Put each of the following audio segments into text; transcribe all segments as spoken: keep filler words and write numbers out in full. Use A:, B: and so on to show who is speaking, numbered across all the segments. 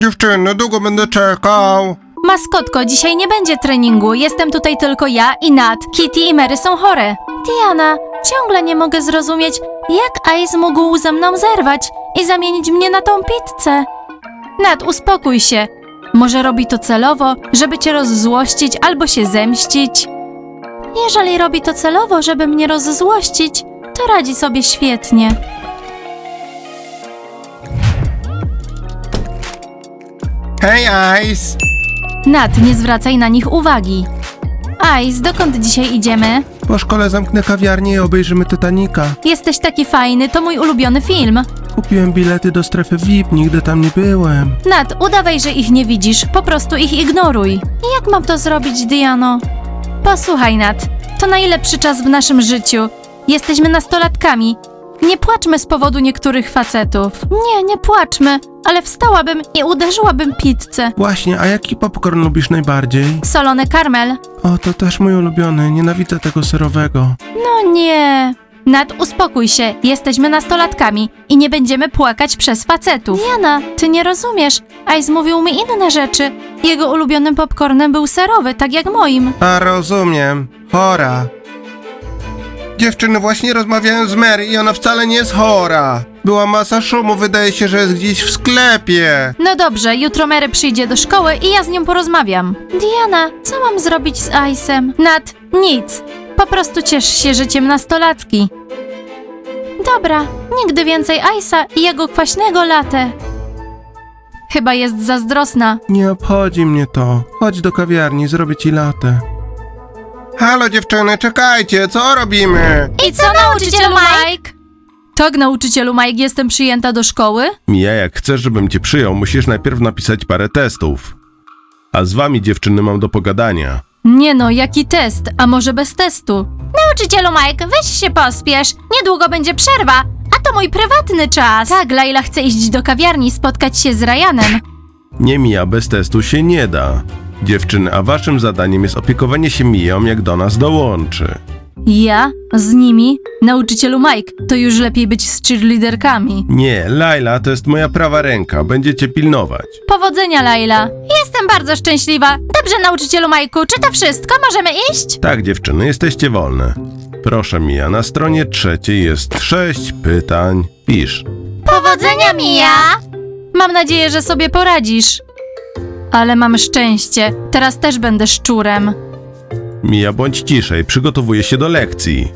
A: Dziewczyny, długo będę czekał.
B: Maskotko, dzisiaj nie będzie treningu. Jestem tutaj tylko ja i Nat. Kitty i Mary są chore. Diana, ciągle nie mogę zrozumieć, jak Ice mógł ze mną zerwać i zamienić mnie na tą pizzę. Nat, uspokój się. Może robi to celowo, żeby cię rozzłościć albo się zemścić. Jeżeli robi to celowo, żeby mnie rozzłościć, to radzi sobie świetnie.
A: Hej, Ice!
B: Nat, nie zwracaj na nich uwagi. Ice, dokąd dzisiaj idziemy?
A: Po szkole zamknę kawiarnię i obejrzymy Titanica.
B: Jesteś taki fajny, to mój ulubiony film.
A: Kupiłem bilety do strefy V I P, nigdy tam nie byłem.
B: Nat, udawaj, że ich nie widzisz, po prostu ich ignoruj. Jak mam to zrobić, Diano? Posłuchaj, Nat, to najlepszy czas w naszym życiu. Jesteśmy nastolatkami. Nie płaczmy z powodu niektórych facetów. Nie, nie płaczmy, ale wstałabym i uderzyłabym pizzę.
A: Właśnie, a jaki popcorn lubisz najbardziej?
B: Solony karmel.
A: O, to też mój ulubiony, nienawidzę tego serowego.
B: No nie. Nat, uspokój się, jesteśmy nastolatkami i nie będziemy płakać przez facetów. Diana, ty nie rozumiesz. Ice mówił mi inne rzeczy. Jego ulubionym popcornem był serowy, tak jak moim.
A: A rozumiem, chora. Dziewczyny, właśnie rozmawiałem z Mary i ona wcale nie jest chora. Była masa szumu, wydaje się, że jest gdzieś w sklepie.
B: No dobrze, jutro Mary przyjdzie do szkoły i ja z nią porozmawiam. Diana, co mam zrobić z Ice'em? Nat, nic. Po prostu ciesz się życiem nastolatki. Dobra, nigdy więcej Ice'a i jego kwaśnego latte. Chyba jest zazdrosna.
A: Nie obchodzi mnie to. Chodź do kawiarni, zrobię ci latę. Halo dziewczyny, czekajcie, co robimy?
B: I co, nauczycielu Mike? Tak, nauczycielu Mike, jestem przyjęta do szkoły?
C: Mija, jak chcesz, żebym cię przyjął, musisz najpierw napisać parę testów. A z wami, dziewczyny, mam do pogadania.
B: Nie no, jaki test? A może bez testu? Nauczycielu Mike, weź się pospiesz. Niedługo będzie przerwa, a to mój prywatny czas. Tak, Laila chce iść do kawiarni, spotkać się z Ryanem.
C: Nie, Mija, bez testu się nie da. Dziewczyny, a waszym zadaniem jest opiekowanie się Miją, jak do nas dołączy.
B: Ja? Z nimi? Nauczycielu Mike, to już lepiej być z cheerleaderkami.
C: Nie, Laila to jest moja prawa ręka, będziecie pilnować.
B: Powodzenia, Laila. Jestem bardzo szczęśliwa. Dobrze, nauczycielu Majku, czy to wszystko? Możemy iść?
C: Tak, dziewczyny, jesteście wolne. Proszę, Mija, na stronie trzeciej jest sześć pytań. Pisz.
B: Powodzenia, Mija! Mam nadzieję, że sobie poradzisz. Ale mam szczęście. Teraz też będę szczurem.
C: Mija, bądź ciszej, przygotowuję się do lekcji.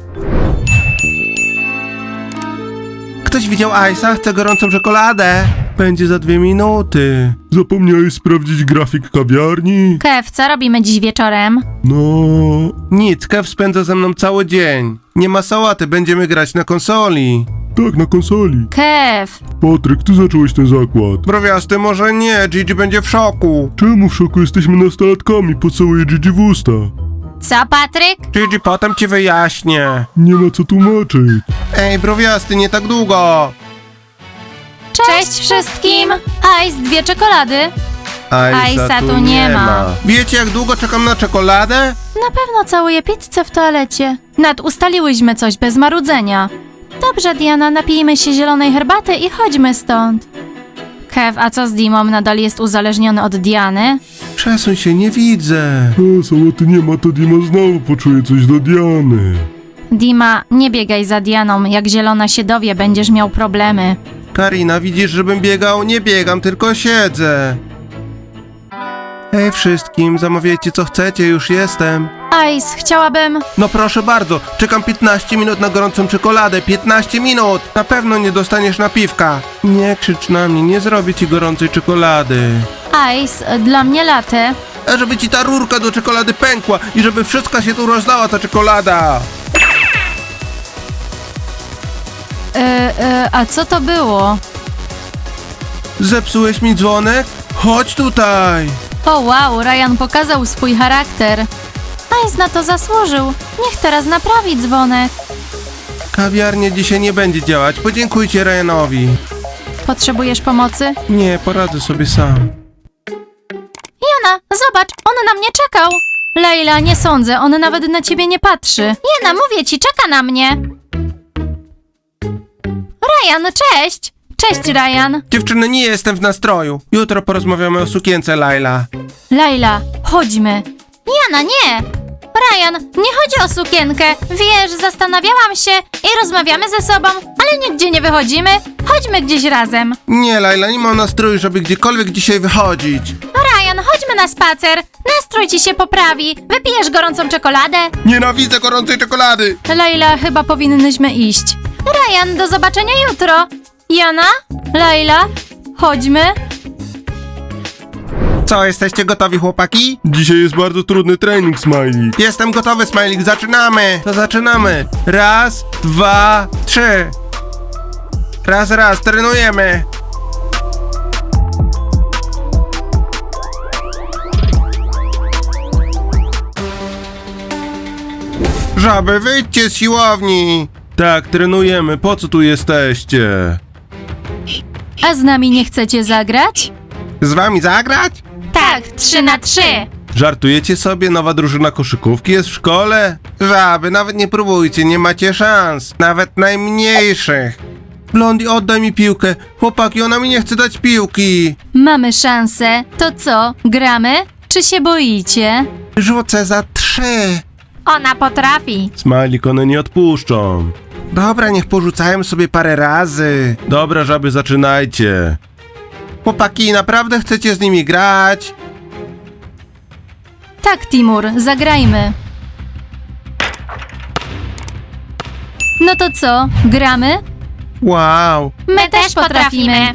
A: Ktoś widział Ice'a? Chce gorącą czekoladę. Będzie za dwie minuty.
C: Zapomniałeś sprawdzić grafik kawiarni?
B: Kev, co robimy dziś wieczorem?
C: No...
A: Nic, Kev spędza ze mną cały dzień. Nie ma sałaty, będziemy grać na konsoli.
C: Tak, na konsoli.
B: Kev!
C: Patryk, ty zacząłeś ten zakład.
A: Browiasty, może nie, Gigi będzie w szoku.
C: Czemu w szoku? Jesteśmy nastolatkami, pocałuję Gigi w usta.
B: Co, Patryk?
A: Gigi, potem ci wyjaśnię.
C: Nie ma co tłumaczyć.
A: Ej, browiasty, nie tak długo.
B: Cześć wszystkim! Ice, dwie czekolady.
A: Ice'a
B: Ice'a tu nie ma.
A: Wiecie, jak długo czekam na czekoladę?
B: Na pewno całuję pizzę w toalecie. Nad, ustaliłyśmy coś bez marudzenia. Dobrze, Diana, napijmy się zielonej herbaty i chodźmy stąd. Kev, a co z Dimą? Nadal jest uzależniony od Diany?
A: Przesuń się, nie widzę.
C: A, sałaty nie ma, to Dima znowu poczuje coś do Diany.
B: Dima, nie biegaj za Dianą. Jak zielona się dowie, będziesz miał problemy.
A: Karina, widzisz, żebym biegał? Nie biegam, tylko siedzę. Hej wszystkim, zamawiajcie co chcecie, już jestem.
B: Ice, chciałabym...
A: No proszę bardzo, czekam piętnaście minut na gorącą czekoladę, piętnaście minut! Na pewno nie dostaniesz napiwka. Nie krzycz na mnie, nie zrobię ci gorącej czekolady.
B: Ice, dla mnie latte.
A: A żeby ci ta rurka do czekolady pękła i żeby wszystko się tu rozlała ta czekolada.
B: E, e, a co to było?
A: Zepsułeś mi dzwonek? Chodź tutaj!
B: O wow, Ryan pokazał swój charakter. Ice na to zasłużył. Niech teraz naprawi dzwonek.
A: Kawiarnia dzisiaj nie będzie działać, podziękujcie Ryanowi.
B: Potrzebujesz pomocy?
A: Nie, poradzę sobie sam.
B: Jana, zobacz, on na mnie czekał. Leila, nie sądzę, on nawet na ciebie nie patrzy. Jana, mówię ci, czeka na mnie. Ryan, cześć! Cześć, Ryan.
A: Dziewczyny, nie jestem w nastroju. Jutro porozmawiamy o sukience, Laila.
B: Laila, chodźmy. Jana, nie! Ryan, nie chodzi o sukienkę. Wiesz, zastanawiałam się i rozmawiamy ze sobą, ale nigdzie nie wychodzimy. Chodźmy gdzieś razem.
A: Nie, Laila, nie mam nastroju, żeby gdziekolwiek dzisiaj wychodzić.
B: Ryan, chodźmy na spacer. Nastrój ci się poprawi. Wypijesz gorącą czekoladę.
A: Nienawidzę gorącej czekolady.
B: Laila, chyba powinnyśmy iść. Ryan, do zobaczenia jutro. Jana? Laila? Chodźmy.
A: Co, jesteście gotowi, chłopaki?
C: Dzisiaj jest bardzo trudny trening, Smajlik.
A: Jestem gotowy, Smajlik, zaczynamy. To zaczynamy. Raz, dwa, trzy. Raz, raz, trenujemy. Żaby, wyjdźcie z siłowni.
C: Tak, trenujemy. Po co tu jesteście?
B: A z nami nie chcecie zagrać?
A: Z wami zagrać?
B: Tak, trzy na trzy.
C: Żartujecie sobie? Nowa drużyna koszykówki jest w szkole?
A: Żaby, nawet nie próbujcie, nie macie szans. Nawet najmniejszych. Blondie, oddaj mi piłkę. Chłopaki, ona mi nie chce dać piłki.
B: Mamy szansę. To co, gramy? Czy się boicie?
A: Rzucę za trzy.
B: Ona potrafi.
C: Smajlik, one nie odpuszczą.
A: Dobra, niech porzucają sobie parę razy.
C: Dobra, żaby, zaczynajcie.
A: Chłopaki, naprawdę chcecie z nimi grać?
B: Tak, Timur, zagrajmy. No to co, gramy?
A: Wow.
B: My też potrafimy.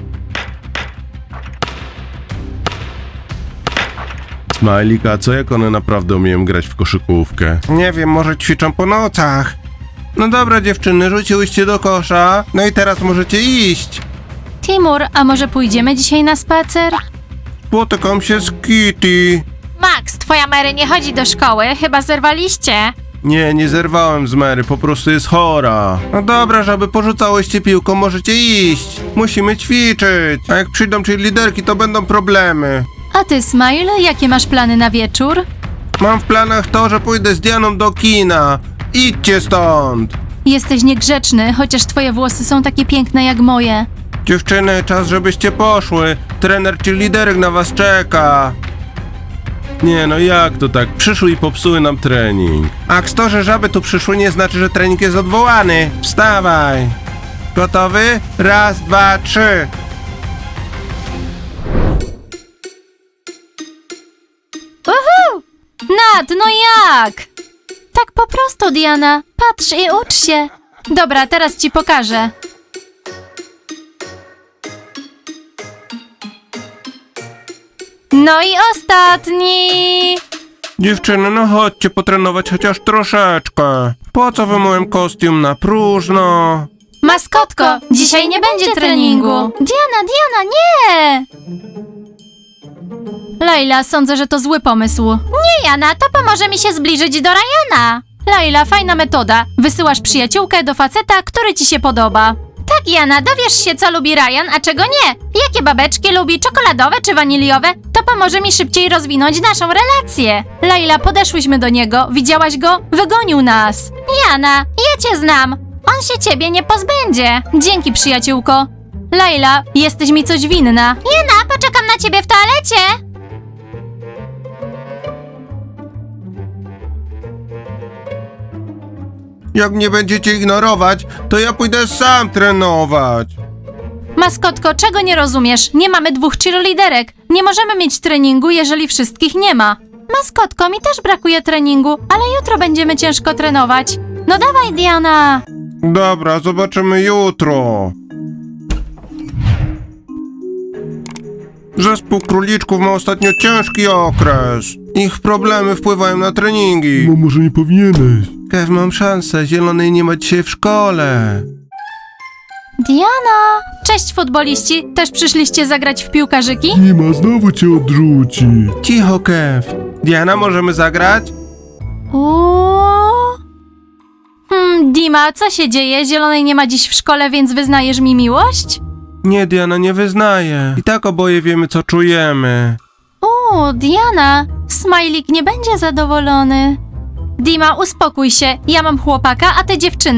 C: Smajlik, a co jak one naprawdę umieją grać w koszykówkę?
A: Nie wiem, może ćwiczą po nocach. No dobra, dziewczyny, rzuciłyście do kosza. No i teraz możecie iść.
B: Timur, a może pójdziemy dzisiaj na spacer?
A: Spotykam się z Kitty.
B: Max, twoja Mary nie chodzi do szkoły, chyba zerwaliście.
C: Nie, nie zerwałem z Mary, po prostu jest chora.
A: No dobra, żeby porzucałyście piłką, możecie iść. Musimy ćwiczyć. A jak przyjdą czyli liderki, to będą problemy.
B: A ty, Smile, jakie masz plany na wieczór?
A: Mam w planach to, że pójdę z Dianą do kina. Idźcie stąd.
B: Jesteś niegrzeczny, chociaż twoje włosy są takie piękne jak moje.
A: Dziewczyny, czas żebyście poszły. Trener czy liderek na was czeka.
C: Nie, no jak to tak? Przyszły i popsuły nam trening.
A: A to, że żaby tu przyszły, nie znaczy, że trening jest odwołany. Wstawaj. Gotowy? Raz, dwa, trzy.
B: Uhu! Nat, no jak? Tak po prostu, Diana. Patrz i ucz się. Dobra, teraz ci pokażę. No i ostatni.
A: Dziewczyny, no chodźcie potrenować chociaż troszeczkę. Po co wy moim kostium na próżno?
B: Maskotko, dzisiaj nie będzie treningu. Diana, Diana, nie! Laila, sądzę, że to zły pomysł. Nie, Jana, to pomoże mi się zbliżyć do Ryana. Laila, fajna metoda. Wysyłasz przyjaciółkę do faceta, który ci się podoba. Tak, Jana, dowiesz się, co lubi Ryan, a czego nie. Jakie babeczki lubi, czekoladowe czy waniliowe? To pomoże mi szybciej rozwinąć naszą relację. Laila, podeszłyśmy do niego, widziałaś go? Wygonił nas. Jana, ja cię znam. On się ciebie nie pozbędzie. Dzięki, przyjaciółko. Laila, jesteś mi coś winna. Jana, poczekam na ciebie w toalecie.
A: Jak mnie będziecie ignorować, to ja pójdę sam trenować.
B: Maskotko, czego nie rozumiesz? Nie mamy dwóch cheerleaderek. Nie możemy mieć treningu, jeżeli wszystkich nie ma. Maskotko, mi też brakuje treningu, ale jutro będziemy ciężko trenować. No dawaj, Diana.
A: Dobra, zobaczymy jutro. Zespół króliczków ma ostatnio ciężki okres. Ich problemy wpływają na treningi.
C: No może nie powinieneś.
A: Kev, mam szansę, zielonej nie ma dzisiaj w szkole.
B: Diana! Cześć, futboliści. Też przyszliście zagrać w piłkarzyki?
C: Nie ma, znowu cię odrzuci.
A: Cicho, Kev. Diana, możemy zagrać?
B: Uuu. Hmm, Dima, co się dzieje? Zielonej nie ma dziś w szkole, więc wyznajesz mi miłość?
A: Nie, Diana, nie wyznaję. I tak oboje wiemy, co czujemy.
B: Uuu, Diana, Smajlik nie będzie zadowolony. Dima, uspokój się. Ja mam chłopaka, a ty dziewczynę.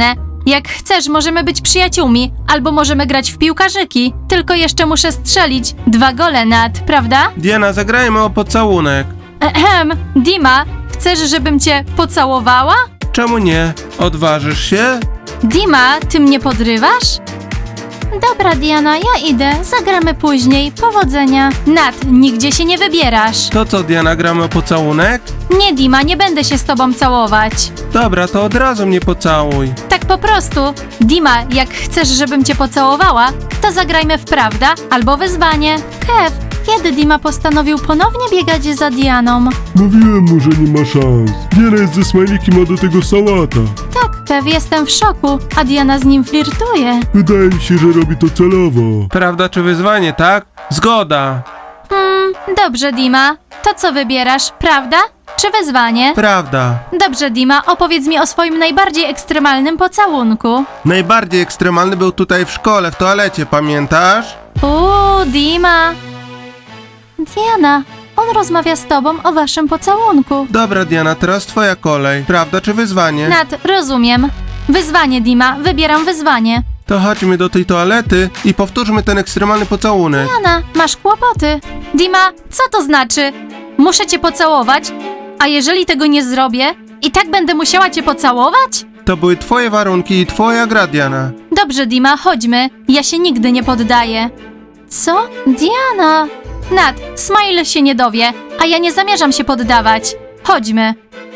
B: Jak chcesz, możemy być przyjaciółmi, albo możemy grać w piłkarzyki. Tylko jeszcze muszę strzelić dwa gole, Nat, prawda?
A: Diana, zagrajmy o pocałunek.
B: Ehem, Dima, chcesz, żebym cię pocałowała?
A: Czemu nie? Odważysz się?
B: Dima, ty mnie podrywasz? Dobra, Diana, ja idę. Zagramy później. Powodzenia. Nat, nigdzie się nie wybierasz.
A: To co, Diana, gramy o pocałunek?
B: Nie, Dima, nie będę się z tobą całować.
A: Dobra, to od razu mnie pocałuj.
B: Tak po prostu. Dima, jak chcesz, żebym cię pocałowała, to zagrajmy w prawda albo wyzwanie. Kev, kiedy Dima postanowił ponownie biegać za Dianą?
D: Mówiłem mu, że nie ma szans. Diana jest ze Smajlikiem, a do tego sałata.
B: Tak, Kev, jestem w szoku, a Diana z nim flirtuje.
D: Wydaje mi się, że robi to celowo.
A: Prawda czy wyzwanie, tak? Zgoda.
B: Hmm, dobrze, Dima. To co wybierasz, prawda czy wyzwanie?
A: Prawda.
B: Dobrze, Dima, opowiedz mi o swoim najbardziej ekstremalnym pocałunku.
A: Najbardziej ekstremalny był tutaj w szkole, w toalecie, pamiętasz?
B: Uuu, Dima. Diana, on rozmawia z tobą o waszym pocałunku.
A: Dobra, Diana, teraz twoja kolej. Prawda czy wyzwanie?
B: Nat, rozumiem. Wyzwanie, Dima, wybieram wyzwanie.
A: To chodźmy do tej toalety i powtórzmy ten ekstremalny pocałunek.
B: Diana, masz kłopoty. Dima, co to znaczy? Muszę cię pocałować? A jeżeli tego nie zrobię, i tak będę musiała cię pocałować?
A: To były twoje warunki i twoja gra, Diana.
B: Dobrze, Dima, chodźmy. Ja się nigdy nie poddaję. Co? Diana! Nat, Smile się nie dowie, a ja nie zamierzam się poddawać. Chodźmy.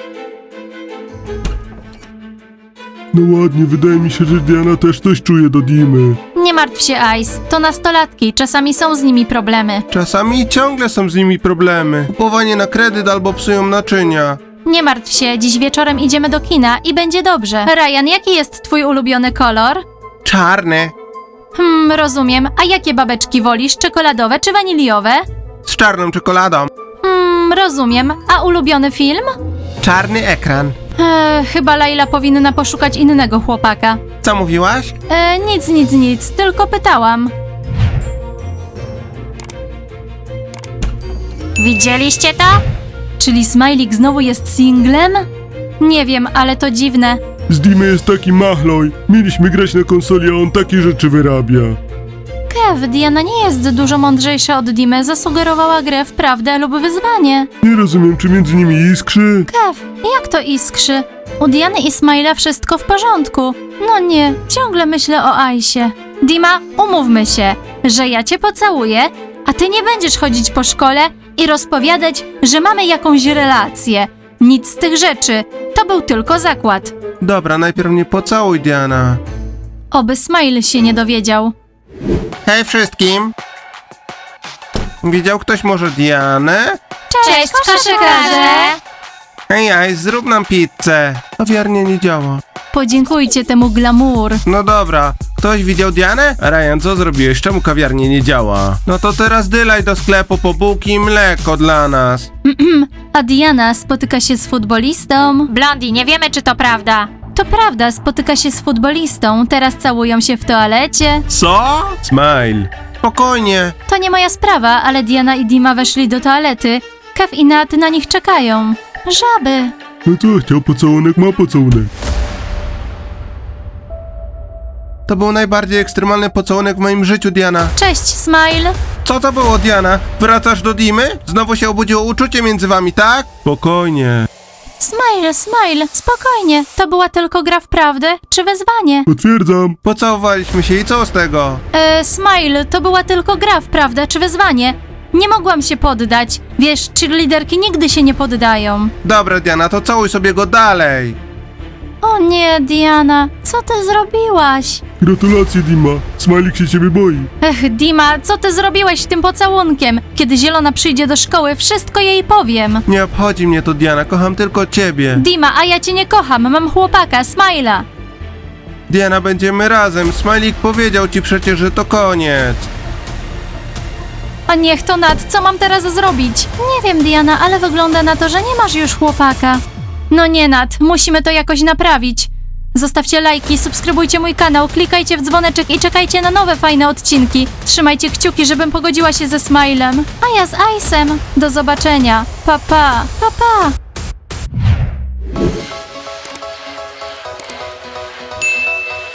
D: No ładnie, wydaje mi się, że Diana też coś czuje do Dimy.
B: Nie martw się, Ice. To nastolatki, czasami są z nimi problemy.
A: Czasami ciągle są z nimi problemy. Kupowanie na kredyt albo psują naczynia.
B: Nie martw się, dziś wieczorem idziemy do kina i będzie dobrze. Ryan, jaki jest twój ulubiony kolor?
A: Czarny.
B: Hmm, rozumiem. A jakie babeczki wolisz? Czekoladowe czy waniliowe?
A: Z czarną czekoladą.
B: Hmm, rozumiem. A ulubiony film?
A: Czarny ekran.
B: Eee, chyba Laila powinna poszukać innego chłopaka.
A: Co mówiłaś?
B: E, nic, nic, nic, tylko pytałam. Widzieliście to? Czyli Smajlik znowu jest singlem? Nie wiem, ale to dziwne.
D: Z Dimy jest taki machloj. Mieliśmy grać na konsoli, a on takie rzeczy wyrabia.
B: Kev, Diana nie jest dużo mądrzejsza od Dimy, zasugerowała grę w prawdę lub wyzwanie.
D: Nie rozumiem, czy między nimi iskrzy.
B: Kev, jak to iskrzy? U Diany i Smajla wszystko w porządku. No nie, ciągle myślę o Aisie. Dima, umówmy się, że ja cię pocałuję, a ty nie będziesz chodzić po szkole i rozpowiadać, że mamy jakąś relację. Nic z tych rzeczy. To był tylko zakład.
A: Dobra, najpierw mnie pocałuj, Diana.
B: Oby Smile się nie dowiedział.
A: Hej wszystkim! Widział ktoś może Dianę?
B: Cześć, koszykarze!
A: Hej, Ice, zrób nam pizzę. Kawiarnia nie działa.
B: Podziękujcie temu glamour.
A: No dobra, ktoś widział Dianę? Ryan, co zrobiłeś? Czemu kawiarnia nie działa? No to teraz dylaj do sklepu po bułki i mleko dla nas.
B: A Diana spotyka się z futbolistą. Blondie, nie wiemy, czy to prawda. To prawda, spotyka się z futbolistą. Teraz całują się w toalecie.
A: Co?
C: Smile.
A: Spokojnie.
B: To nie moja sprawa, ale Diana i Dima weszli do toalety. Kev i Nat na nich czekają. Żaby.
D: No co, chciał pocałunek, ma pocałunek.
A: To był najbardziej ekstremalny pocałunek w moim życiu, Diana.
B: Cześć, Smile.
A: Co to było, Diana? Wracasz do Dimy? Znowu się obudziło uczucie między wami, tak?
C: Spokojnie.
B: Smile, Smile, spokojnie. To była tylko gra w prawdę czy wyzwanie.
D: Potwierdzam.
A: Pocałowaliśmy się i co z tego?
B: E, Smile, to była tylko gra w prawdę czy wyzwanie. Nie mogłam się poddać. Wiesz, cheerleaderki nigdy się nie poddają.
A: Dobra, Diana, to całuj sobie go dalej.
B: O nie, Diana, co ty zrobiłaś?
D: Gratulacje, Dima. Smajlik się ciebie boi.
B: Ech, Dima, co ty zrobiłaś tym pocałunkiem? Kiedy Zielona przyjdzie do szkoły, wszystko jej powiem.
A: Nie obchodzi mnie to, Diana, kocham tylko ciebie.
B: Dima, a ja cię nie kocham, mam chłopaka, Smajla.
A: Diana, będziemy razem. Smajlik powiedział ci przecież, że to koniec.
B: A niech to Nat, co mam teraz zrobić? Nie wiem, Diana, ale wygląda na to, że nie masz już chłopaka. No nie, Nat, musimy to jakoś naprawić. Zostawcie lajki, subskrybujcie mój kanał, klikajcie w dzwoneczek i czekajcie na nowe fajne odcinki. Trzymajcie kciuki, żebym pogodziła się ze Smilem. A ja z Ice'em. Do zobaczenia. Pa, pa. Pa, pa.